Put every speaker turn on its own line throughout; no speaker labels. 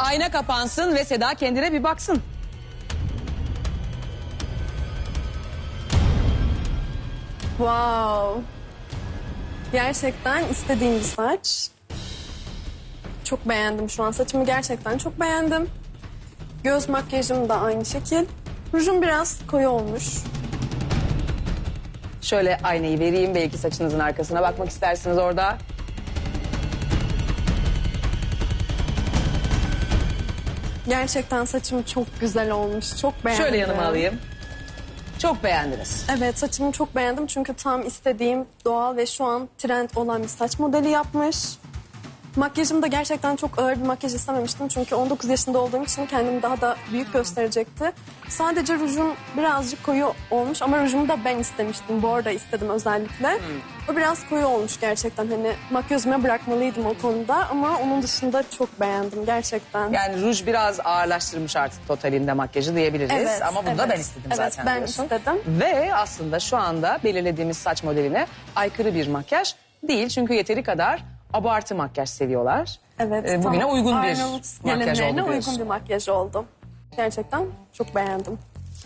ayna kapansın ve Seda kendine bir baksın.
Wow. Gerçekten istediğim bir saç. Çok beğendim şu an. Saçımı gerçekten çok beğendim. Göz makyajım da aynı şekil. Rujum biraz koyu olmuş.
Şöyle aynayı vereyim, belki saçınızın arkasına bakmak istersiniz orada.
Gerçekten saçım çok güzel olmuş. Çok beğendim.
Şöyle yanıma alayım. Çok beğendiniz.
Evet, saçımı çok beğendim çünkü tam istediğim doğal ve şu an trend olan bir saç modeli yapmış. Makyajım da gerçekten çok ağır bir makyaj istememiştim çünkü 19 yaşında olduğum için kendimi daha da büyük gösterecekti. Sadece rujum birazcık koyu olmuş ama rujumu da ben istemiştim. Bu arada istedim özellikle. O biraz koyu olmuş gerçekten. Hani makyözüme bırakmalıydım o konuda ama onun dışında çok beğendim gerçekten.
Yani ruj biraz ağırlaştırmış artık totalinde makyajı diyebiliriz.
Evet,
Ama bunu da
evet.
ben istedim
Evet,
zaten
ben
diyorsun.
istedim.
Ve aslında şu anda belirlediğimiz saç modeline aykırı bir makyaj değil. Çünkü yeteri kadar abartı makyaj seviyorlar.
Evet.
Bugüne
tam
uygun bir
Arnavut
makyaj
gelinlerine
oldu
uygun
diyorsun.
bir makyaj oldu. Gerçekten çok beğendim.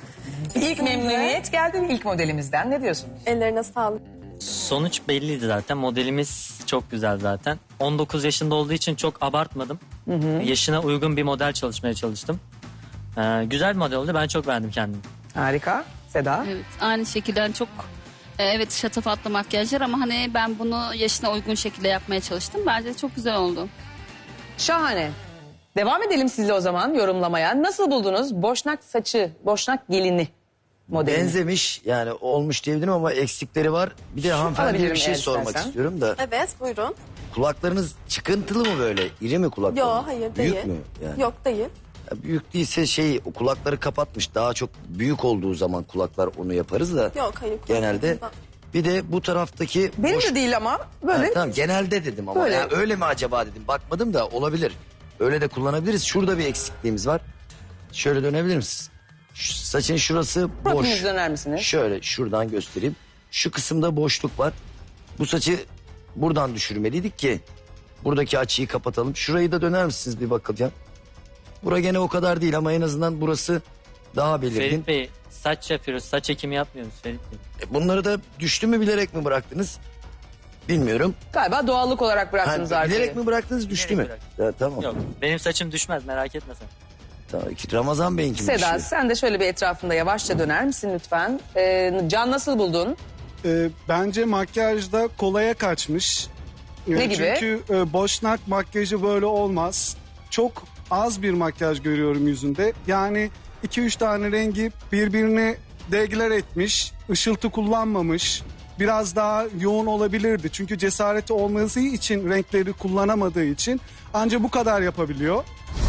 İlk memnuniyet geldi ilk modelimizden. Ne diyorsunuz?
Ellerine sağlık.
Sonuç belliydi zaten. Modelimiz çok güzel zaten. 19 yaşında olduğu için çok abartmadım. Yaşına uygun bir model çalışmaya çalıştım. Güzel bir model oldu. Ben çok beğendim kendimi.
Harika. Seda?
Evet, aynı şekilde çok evet şatafatlı makyajlar ama hani ben bunu yaşına uygun şekilde yapmaya çalıştım. Bence çok güzel oldu.
Şahane. Devam edelim sizle o zaman yorumlamaya. Nasıl buldunuz Boşnak saçı, Boşnak gelini modelini?
Benzemiş yani olmuş diyebilirim ama eksikleri var. Bir de hanımefendiye
alabilirim
bir şey
eğer
sormak
istersen.
istiyorum da.
Evet, buyurun.
Kulaklarınız çıkıntılı mı böyle? İri mi kulaklarınız?
Yok, hayır değil.
Büyük mü? Yani?
Yok değil.
Ya büyük değilse o kulakları kapatmış. Daha çok büyük olduğu zaman kulaklar onu yaparız da.
Yok hayır.
Genelde. Bir de bu taraftaki
Benim
boş...
de değil ama böyle.
Ha, tamam genelde dedim ama
Böyle.
yani öyle mi acaba dedim. Bakmadım da olabilir. Öyle de kullanabiliriz. Şurada bir eksikliğimiz var. Şöyle dönebilir misiniz? Saçın şurası boş.
Profilinizi döner misiniz?
Şöyle şuradan göstereyim. Şu kısımda boşluk var. Bu saçı buradan düşürmeliydik ki buradaki açıyı kapatalım. Şurayı da döner misiniz bir bakacağım. Bura gene o kadar değil ama en azından burası daha belirgin.
Ferit Bey, saç yapıyoruz. Saç ekimi yapmıyoruz Ferit Bey.
Bunları da düştü mü bilerek mi bıraktınız? Bilmiyorum.
Galiba doğallık olarak bıraktınız
Ha,
arkayı.
bilerek mi bıraktınız düştü mü?
Bilerek
Ya, tamam.
Yok, benim saçım düşmez, merak etme sen.
Tamam. Ramazan Bey'in gibi
Seda sen de şöyle bir etrafında yavaşça döner misin lütfen? Can nasıl buldun?
Bence makyajda kolaya kaçmış.
Ne gibi?
Çünkü boşnak makyajı böyle olmaz. Çok az bir makyaj görüyorum yüzünde. Yani 2-3 tane rengi birbirine degler etmiş. Işıltı kullanmamış. Biraz daha yoğun olabilirdi. Çünkü cesareti olması için renkleri kullanamadığı için ancak bu kadar yapabiliyor.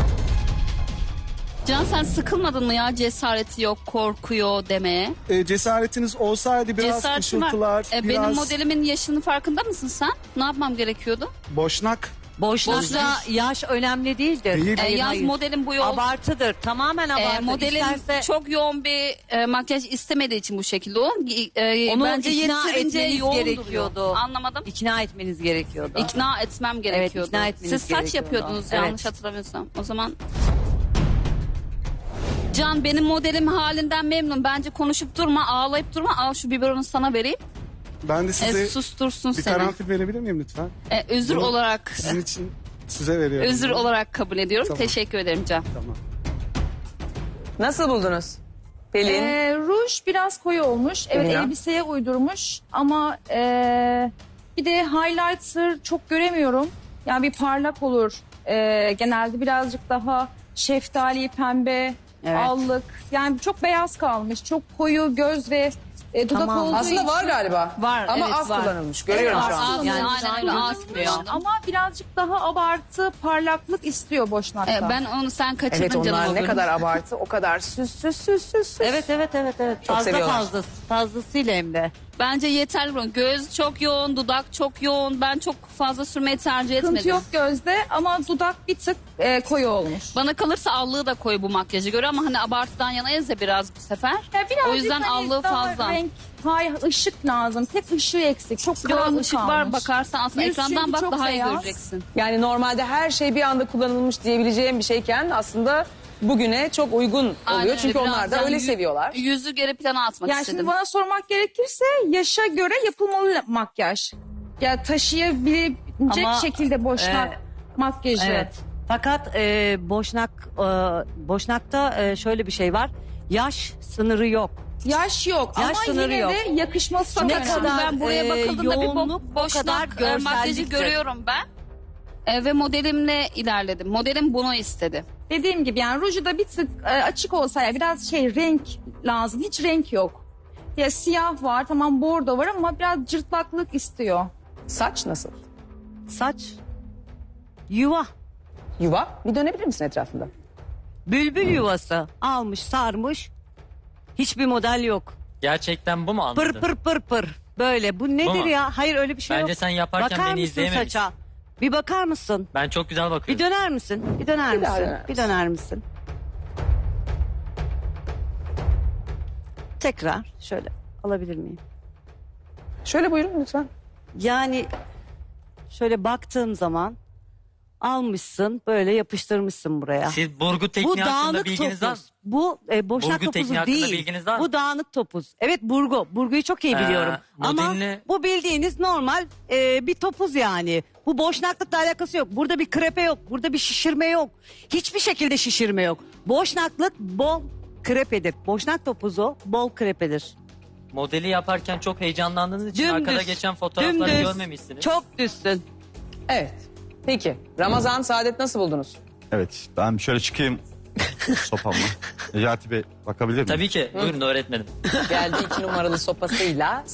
Can sen sıkılmadın mı ya cesareti yok, korkuyor demeye?
Cesaretiniz olsaydı biraz
Cesaretim var.
ışıltılar,
Benim
biraz
modelimin yaşının farkında mısın sen? Ne yapmam gerekiyordu?
boşnak.
Boşlukta yaş önemli değildir.
Değil.
Hayır,
Yaz
hayır.
modelin bu yol.
Abartıdır. Tamamen abartı.
Modelin
İsterse
çok yoğun bir makyaj istemediği için bu şekilde o.
onu
Bence
ikna
yeterince
etmeniz
yoğun
gerekiyordu.
duruyor. Anlamadım.
ikna etmeniz gerekiyordu.
İkna etmem gerekiyordu.
ikna etmeniz
Siz saç
gerekiyordu.
yapıyordunuz
Evet.
yanlış hatırlamıyorsam. O zaman Can benim modelim halinden memnun. Bence konuşup durma, ağlayıp durma. Al şu biberonu sana vereyim.
Ben de size
Sustursun
bir
seni.
karanfil verebilir miyim lütfen?
Özür
Bunu
olarak
Sizin için size veriyorum.
özür olarak kabul ediyorum.
Tamam.
Teşekkür ederim Can.
Tamam.
Nasıl buldunuz? Pelin?
Ruj biraz koyu olmuş. Evet
Dünya.
elbiseye uydurmuş ama bir de highlighter çok göremiyorum. Yani bir parlak olur. Genelde birazcık daha şeftali, pembe,
Evet.
allık. Yani çok beyaz kalmış. Çok koyu göz ve dudak
Tamam.
olduğu
Aslında
için.
var galiba.
Var,
Ama
evet,
az
var.
kullanılmış. Görüyorum
Evet,
şu
az
an.
kullanılmış.
Yani
Yani
aynen öyle, az
kullanılmış
kullanılmış.
ama birazcık daha abartı, parlaklık istiyor boşnakta.
Ben onu sen kaçırdın
Evet
canım.
onlar
o
ne
bölüm.
kadar abartı o kadar süs.
Evet.
Çok
Fazla
seviyorlar.
fazlasıyla hem de.
Bence yeterli. Göz çok yoğun, dudak çok yoğun. Ben çok fazla sürmeyi tercih etmedim.
Sıkıntı yok gözde ama dudak bir tık koyu olmuş.
Bana kalırsa allığı da koyu bu makyaja göre ama hani abartıdan yanayız ya biraz bu sefer.
Ya birazcık
O yüzden
hani
allığı
daha
fazla.
Renk, hayır ışık lazım. Tek ışığı eksik. Çok
Yo,
karanlık
ışık var
kalmış.
bakarsan aslında
Yüz
ekrandan
çünkü
bak
çok
daha iyi
beyaz.
göreceksin.
Yani normalde her şey bir anda kullanılmış diyebileceğim bir şeyken aslında bugüne çok uygun oluyor.
Aynen
Çünkü
öyle,
onlar da
biraz
öyle
yani
seviyorlar.
Yüzü geri plana atmak
Yani
istedim.
şimdi bana sormak gerekirse yaşa göre yapılmalı makyaj. Ya taşıyabilecek
Ama,
şekilde boşnak makyajı.
Evet. Fakat Boşnak'ta şöyle bir şey var. Yaş sınırı yok.
Yaş yok
Yaş
ama
sınırı
yine
yok.
de yakışması çok
Ne
önemli.
kadar
Ben buraya bakıldığında bir
yoğunluk, o
boşnak
kadar
makyajı
görselliktir.
görüyorum ben. Ve modelimle ilerledim. Modelim bunu istedi.
Dediğim gibi yani ruju da bir tık açık olsa ya biraz renk lazım. Hiç renk yok. Ya siyah var tamam bordo var ama biraz cırtlaklık istiyor.
Saç nasıl?
Saç yuva.
Yuva. Bir dönebilir misin etrafında?
Bülbül yuvası almış sarmış. Hiçbir model yok.
Gerçekten bu mu anladın?
Pır pır pır pır. Böyle bu nedir
mu?
ya? Hayır öyle bir şey
Bence
yok.
sen yaparken
Bakar
beni
mısın
izleyememişsin.
saça? Bir bakar mısın?
Ben çok güzel
Bir
bakıyorum.
döner misin? Bir döner
Bir daha
misin?
döner
Bir döner misin? Tekrar şöyle alabilir miyim?
Şöyle buyurun lütfen.
Yani şöyle baktığım zaman almışsın böyle yapıştırmışsın buraya.
Siz burgu
Bu
tekniği hakkında
dağınık
bilginiz var mı?
topuz. Bu boşnak
Burgu tekniği
topuzu
hakkında
değil.
bilginiz var mı?
Bu dağınık topuz. Evet burgu. Burguyu çok iyi biliyorum. Ama
modelini-
bu bildiğiniz normal bir topuz yani. Bu boşnaklıkla alakası yok. Burada bir krepe yok. Burada bir şişirme yok. Hiçbir şekilde şişirme yok. Boşnaklık bol krepedir. Boşnak topuzu bol krepedir.
Modeli yaparken çok heyecanlandığınız için
Dümdüz.
arkada geçen fotoğrafları
Dümdüz.
görmemişsiniz.
Çok düzsün.
Evet. Peki. Ramazan, Saadet nasıl buldunuz?
Evet, ben şöyle çıkayım sopamla. Necati Bey bakabilir miyim?
Tabii ki. Buyurun öğretmenim.
Geldi 2 numaralı sopasıyla.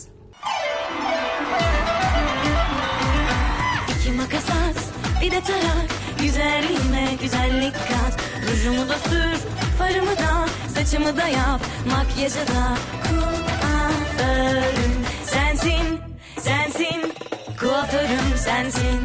İki makas at, bir de tarak. Üzerine güzellik kat. Rujumu da sür, farımı da, saçımı da yap. Makyajı da kuaförüm sensin, sensin. Kuaförüm sensin.